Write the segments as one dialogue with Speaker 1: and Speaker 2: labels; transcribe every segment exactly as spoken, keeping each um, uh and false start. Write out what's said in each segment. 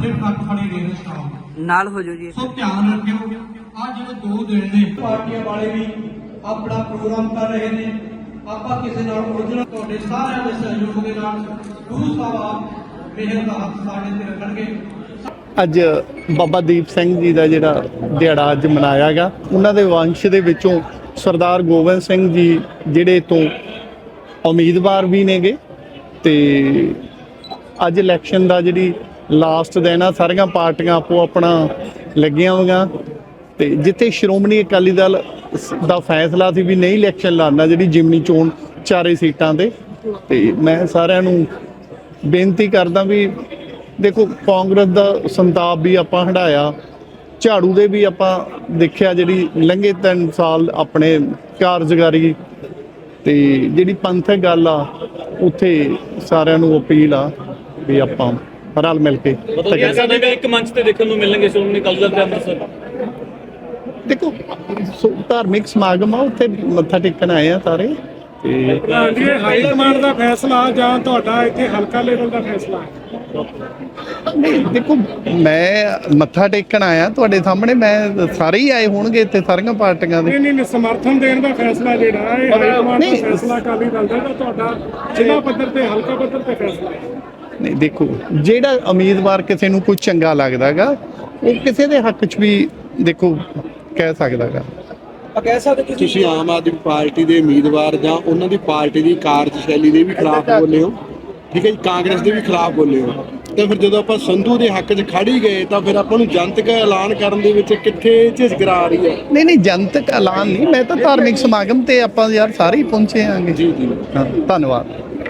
Speaker 1: ਵੱਡੇ ਟਰੱਕ ਖੜੇ ਨੇ ਸਟਾਫ
Speaker 2: ਨਾਲ ਹੋ ਜਾਓ ਜੀ।
Speaker 1: ਸੋ ਧਿਆਨ ਰੱਖਿਓ ਆ ਜਿਹੜੇ ਦੋ ਦਿਨ ਨੇ ਪਾਰਟੀਆਂ ਵਾਲੇ ਵੀ ਆਪਣਾ ਪ੍ਰੋਗਰਾਮ ਕਰ ਰਹੇ ਨੇ। ਆਪਾਂ ਕਿਸੇ ਨਾਲ ਉਲਝਣਾ ਤੁਹਾਡੇ ਸਾਰਿਆਂ ਦੇ ਸਹਿਯੋਗ ਦੇ ਨਾਲ ਗੁਰੂ ਸਾਹਿਬ ਮਿਹਰ ਦਾ ਹੱਥ ਸਾਡੇ ਤੇ ਰੱਖਣਗੇ।
Speaker 3: ਅੱਜ ਬਾਬਾ ਦੀਪ ਸਿੰਘ ਜੀ ਦਾ ਜਿਹੜਾ ਦਿਹਾੜਾ ਅੱਜ ਮਨਾਇਆ ਗਿਆ, ਉਹਨਾਂ ਦੇ ਵੰਸ਼ ਦੇ ਵਿੱਚੋਂ ਸਰਦਾਰ ਗੋਬਿੰਦ ਸਿੰਘ ਜੀ ਜਿਹੜੇ ਤੋਂ ਉਮੀਦਵਾਰ ਵੀ ਨੇਗੇ ਤੇ ਅੱਜ ਇਲੈਕਸ਼ਨ ਦਾ ਜਿਹੜੀ ਲਾਸਟ ਦਿਨ ਆ, ਸਾਰੀਆਂ ਪਾਰਟੀਆਂ ਆਪੋ ਆਪਣਾ ਲੱਗੀਆਂ ਹੋਈਆਂ ਤੇ ਜਿੱਥੇ ਸ਼੍ਰੋਮਣੀ ਅਕਾਲੀ ਦਲ ਦਾ ਫੈਸਲਾ ਸੀ ਵੀ ਨਹੀਂ ਇਲੈਕਸ਼ਨ ਲੜਨਾ, ਜਿਹੜੀ ਜਿਮਨੀ ਚੋਣ ਚਾਰੇ ਸੀਟਾਂ ਤੇ ਤੇ ਮੈਂ ਸਾਰਿਆਂ ਨੂੰ ਬੇਨਤੀ ਕਰਦਾ ਵੀ ਦੇਖੋ ਕਾਂਗਰਸ ਦਾ ਸੰਤਾਪ ਵੀ ਆਪਾਂ ਹੰਢਾਇਆ, ਝਾੜੂ ਦੇ ਵੀ ਆਪਾਂ ਦੇਖਿਆ ਜਿਹੜੀ ਲੰਘੇ ਤਿੰਨ ਸਾਲ ਆਪਣੇ ਕਾਰਜਕਾਰੀ ਤੇ ਜਿਹੜੀ ਪੰਥਕ ਗੱਲ ਆ ਉੱਥੇ ਸਾਰਿਆਂ ਨੂੰ ਅਪੀਲ ਆ ਵੀ ਆਪਾਂ ਰਲ ਮਿਲ ਕੇ
Speaker 4: ਇੱਕ ਮੰਚ ਤੇ ਦੇਖਣ ਨੂੰ ਮਿਲਣਗੇ ਸ਼੍ਰੋਮਣੀ ਅਕਾਲੀ ਦਲ ਤੇ ਅੰਮ੍ਰਿਤਸਰ।
Speaker 3: ਦੇਖੋ ਧਾਰਮਿਕ ਸਮਾਗਮ ਆ, ਉੱਥੇ ਮੱਥਾ ਟੇਕਣ ਆਏ ਆ ਸਾਰੇ ਤੇ
Speaker 5: ਹਾਈ ਕਮਾਂਡ ਦਾ ਫੈਸਲਾ ਜਾਂ ਤੁਹਾਡਾ ਇੱਥੇ ਹਲਕਾ ਲੈਵਲ ਦਾ ਫੈਸਲਾ ਹੈ?
Speaker 3: ਨਹੀਂ ਦੇਖੋ ਮੈਂ ਮੱਥਾ ਟੇਕਣ ਆਇਆ ਤੁਹਾਡੇ ਸਾਹਮਣੇ, ਮੈਂ ਸਾਰੇ ਹੀ ਆਏ ਹੋਣਗੇ ਇੱਥੇ ਸਾਰੀਆਂ ਪਾਰਟੀਆਂ ਦੇ।
Speaker 5: ਨਹੀਂ ਨਹੀਂ ਸਮਰਥਨ ਦੇਣ ਦਾ ਫੈਸਲਾ ਜਿਹੜਾ ਇਹ ਹਾਈ ਕਮਾਂਡ ਦਾ ਫੈਸਲਾ ਅਕਾਲੀ ਦਲ ਦਾ, ਤੁਹਾਡਾ ਜ਼ਿਲ੍ਹਾ ਪੱਧਰ ਤੇ ਹਲਕਾ ਪੱਧਰ ਤੇ ਫੈਸਲਾ ਹੈ?
Speaker 3: ਨਹੀਂ ਦੇਖੋ ਜਿਹੜਾ ਉਮੀਦਵਾਰ ਕਿਸੇ ਨੂੰ ਕੋਈ ਚੰਗਾ ਲੱਗਦਾ ਗਾ ਉਹ ਕਿਸੇ ਦੇ ਹੱਕ 'ਚ ਵੀ ਦੇਖੋ ਕਹਿ ਸਕਦਾ ਗਾ।
Speaker 6: ਕਹਿ ਸਕਦੇ ਤੁਸੀਂ ਆਮ ਆਦਮੀ ਪਾਰਟੀ ਦੇ ਉਮੀਦਵਾਰ ਜਾਂ ਉਹਨਾਂ ਦੀ ਪਾਰਟੀ ਦੀ ਕਾਰਜਸ਼ੈਲੀ ਦੇ ਵੀ ਖਿਲਾਫ ਬੋਲੇ ਹੋ, ਠੀਕ ਹੈ ਜੀ, ਕਾਂਗਰਸ ਦੇ ਵੀ ਖਿਲਾਫ ਬੋਲੇ ਹੋ, ਤੇ ਫਿਰ ਜਦੋਂ ਆਪਾਂ ਸੰਧੂ ਦੇ ਹੱਕ 'ਚ ਖੜ ਹੀ ਗਏ ਤਾਂ ਫਿਰ ਆਪਾਂ ਨੂੰ ਜਨਤਕ ਐਲਾਨ ਕਰਨ ਦੇ ਵਿੱਚ ਕਿੱਥੇ ਝਿਜਕ ਆ ਰਹੀ ਹੈ?
Speaker 3: ਨਹੀਂ ਨਹੀਂ ਜਨਤਕ ਐਲਾਨ ਨਹੀਂ, ਮੈਂ ਤਾਂ ਧਾਰਮਿਕ ਸਮਾਗਮ ਤੇ ਆਪਾਂ ਯਾਰ ਸਾਰੇ ਹੀ ਪਹੁੰਚੇ ਆਂਗੇ।
Speaker 6: ਜੀ ਜੀ
Speaker 3: ਹਾਂ ਧੰਨਵਾਦ।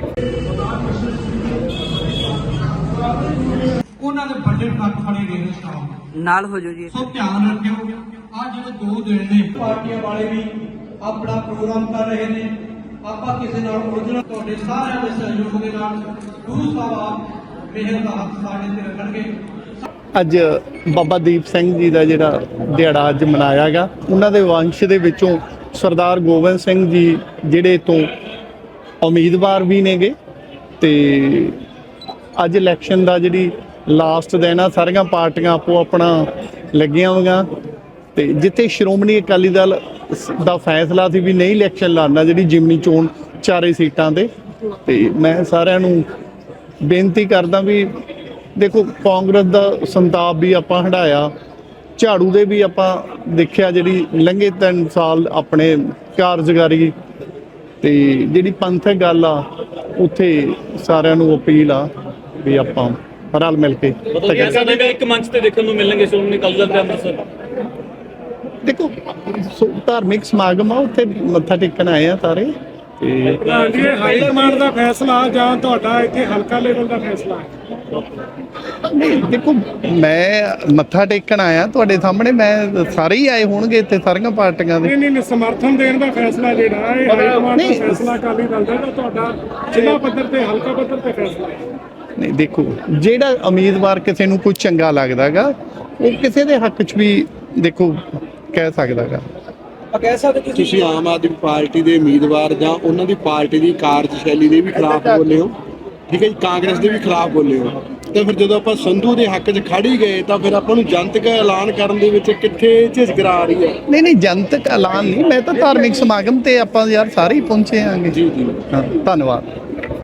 Speaker 1: ਉਹਨਾਂ ਦੇ ਵੱਡੇ ਟਰੱਕ ਖੜੇ ਨੇ ਸਟਾਫ
Speaker 2: ਨਾਲ ਹੋ ਜਾਓ ਜੀ।
Speaker 1: ਸੋ ਧਿਆਨ ਰੱਖਿਓ ਆ ਜਿਹੜੇ ਦੋ ਦਿਨ ਨੇ ਪਾਰਟੀਆਂ ਵਾਲੇ ਵੀ ਆਪਣਾ ਪ੍ਰੋਗਰਾਮ ਕਰ ਰਹੇ ਨੇ। ਆਪਾਂ ਕਿਸੇ ਨਾਲ ਉਲਝਣਾ ਤੁਹਾਡੇ ਸਾਰਿਆਂ ਦੇ ਸਹਿਯੋਗ ਦੇ ਨਾਲ ਗੁਰੂ ਸਾਹਿਬ ਮਿਹਰ ਦਾ ਹੱਥ ਸਾਡੇ ਤੇ ਰੱਖਣਗੇ।
Speaker 3: ਅੱਜ ਬਾਬਾ ਦੀਪ ਸਿੰਘ ਜੀ ਦਾ ਜਿਹੜਾ ਦਿਹਾੜਾ ਅੱਜ ਮਨਾਇਆ ਗਿਆ, ਉਹਨਾਂ ਦੇ ਵੰਸ਼ ਦੇ ਵਿੱਚੋਂ ਸਰਦਾਰ ਗੋਬਿੰਦ ਸਿੰਘ ਜੀ ਜਿਹੜੇ ਤੋਂ ਉਮੀਦਵਾਰ ਵੀ ਨੇਗੇ ਤੇ ਅੱਜ ਇਲੈਕਸ਼ਨ ਦਾ ਜਿਹੜੀ ਲਾਸਟ ਦਿਨ ਆ, ਸਾਰੀਆਂ ਪਾਰਟੀਆਂ ਆਪੋ ਆਪਣਾ ਲੱਗੀਆਂ ਹੋਈਆਂ ਤੇ ਜਿੱਥੇ ਸ਼੍ਰੋਮਣੀ ਅਕਾਲੀ ਦਲ ਦਾ ਫੈਸਲਾ ਸੀ ਵੀ ਨਹੀਂ ਇਲੈਕਸ਼ਨ ਲੜਨਾ, ਜਿਹੜੀ ਜਿਮਨੀ ਚੋਣ ਚਾਰੇ ਸੀਟਾਂ ਤੇ ਤੇ ਮੈਂ ਸਾਰਿਆਂ ਨੂੰ ਬੇਨਤੀ ਕਰਦਾ ਵੀ ਦੇਖੋ ਕਾਂਗਰਸ ਦਾ ਸੰਤਾਪ ਵੀ ਆਪਾਂ ਹੰਢਾਇਆ, ਝਾੜੂ ਦੇ ਵੀ ਆਪਾਂ ਦੇਖਿਆ ਜਿਹੜੀ ਲੰਘੇ ਤਿੰਨ ਸਾਲ ਆਪਣੇ ਕਾਰਜਕਾਰੀ ਤੇ ਜਿਹੜੀ ਪੰਥਕ ਗੱਲ ਆ ਉੱਥੇ ਸਾਰਿਆਂ ਨੂੰ ਅਪੀਲ ਆ ਵੀ ਆਪਾਂ ਰਲ ਮਿਲ ਕੇ
Speaker 4: ਇੱਕ ਮੰਚ ਤੇ ਦੇਖਣ ਨੂੰ ਮਿਲਣਗੇ ਸ਼੍ਰੋਮਣੀ ਅਕਾਲੀ ਦਲ ਤੇ ਅੰਮ੍ਰਿਤਸਰ।
Speaker 3: ਦੇਖੋ ਧਾਰਮਿਕ ਸਮਾਗਮ ਆ, ਉੱਥੇ ਮੱਥਾ ਟੇਕਣ ਆਏ ਆ ਸਾਰੇ ਤੇ
Speaker 5: ਹਾਈ ਕਮਾਂਡ ਦਾ ਫੈਸਲਾ ਜਾਂ ਤੁਹਾਡਾ ਇੱਥੇ ਹਲਕਾ ਲੈਵਲ ਦਾ ਫੈਸਲਾ ਹੈ?
Speaker 3: ਨਹੀਂ ਦੇਖੋ ਮੈਂ ਮੱਥਾ ਟੇਕਣ ਆਇਆ ਤੁਹਾਡੇ ਸਾਹਮਣੇ, ਮੈਂ ਸਾਰੇ ਹੀ ਆਏ ਹੋਣਗੇ ਇੱਥੇ ਸਾਰੀਆਂ ਪਾਰਟੀਆਂ ਦੇ।
Speaker 5: ਨਹੀਂ ਨਹੀਂ ਸਮਰਥਨ ਦੇਣ ਦਾ ਫੈਸਲਾ ਜਿਹੜਾ ਇਹ ਹਾਈ ਕਮਾਂਡ ਦਾ ਫੈਸਲਾ ਅਕਾਲੀ ਦਲ ਦਾ, ਤੁਹਾਡਾ ਜ਼ਿਲ੍ਹਾ ਪੱਧਰ ਤੇ ਹਲਕਾ ਪੱਧਰ ਤੇ ਫੈਸਲਾ ਹੈ?
Speaker 3: ਨਹੀਂ ਦੇਖੋ ਜਿਹੜਾ ਉਮੀਦਵਾਰ ਕਿਸੇ ਨੂੰ ਕੋਈ ਚੰਗਾ ਲੱਗਦਾ ਗਾ ਉਹ ਕਿਸੇ ਦੇ ਹੱਕ 'ਚ ਵੀ ਦੇਖੋ ਕਹਿ ਸਕਦਾ ਗਾ।
Speaker 6: ਕਹਿ ਸਕਦੇ ਤੁਸੀਂ ਆਮ ਆਦਮੀ ਪਾਰਟੀ ਦੇ ਉਮੀਦਵਾਰ ਜਾਂ ਉਹਨਾਂ ਦੀ ਪਾਰਟੀ ਦੀ ਕਾਰਜਸ਼ੈਲੀ ਦੇ ਵੀ ਖਿਲਾਫ ਬੋਲੇ ਹੋ, ਠੀਕ ਹੈ ਜੀ, ਕਾਂਗਰਸ ਦੇ ਵੀ ਖਿਲਾਫ ਬੋਲੇ ਹੋ, ਤੇ ਫਿਰ ਜਦੋਂ ਆਪਾਂ ਸੰਧੂ ਦੇ ਹੱਕ 'ਚ ਖੜ ਹੀ ਗਏ ਤਾਂ ਫਿਰ ਆਪਾਂ ਨੂੰ ਜਨਤਕ ਐਲਾਨ ਕਰਨ ਦੇ ਵਿੱਚ ਕਿੱਥੇ ਝਿਜਕ ਆ ਰਹੀ ਹੈ?
Speaker 3: ਨਹੀਂ ਨਹੀਂ ਜਨਤਕ ਐਲਾਨ ਨਹੀਂ, ਮੈਂ ਤਾਂ ਧਾਰਮਿਕ ਸਮਾਗਮ ਤੇ ਆਪਾਂ ਯਾਰ ਸਾਰੇ ਹੀ ਪਹੁੰਚੇ ਆਂਗੇ।
Speaker 6: ਜੀ ਜੀ
Speaker 3: ਹਾਂ ਧੰਨਵਾਦ।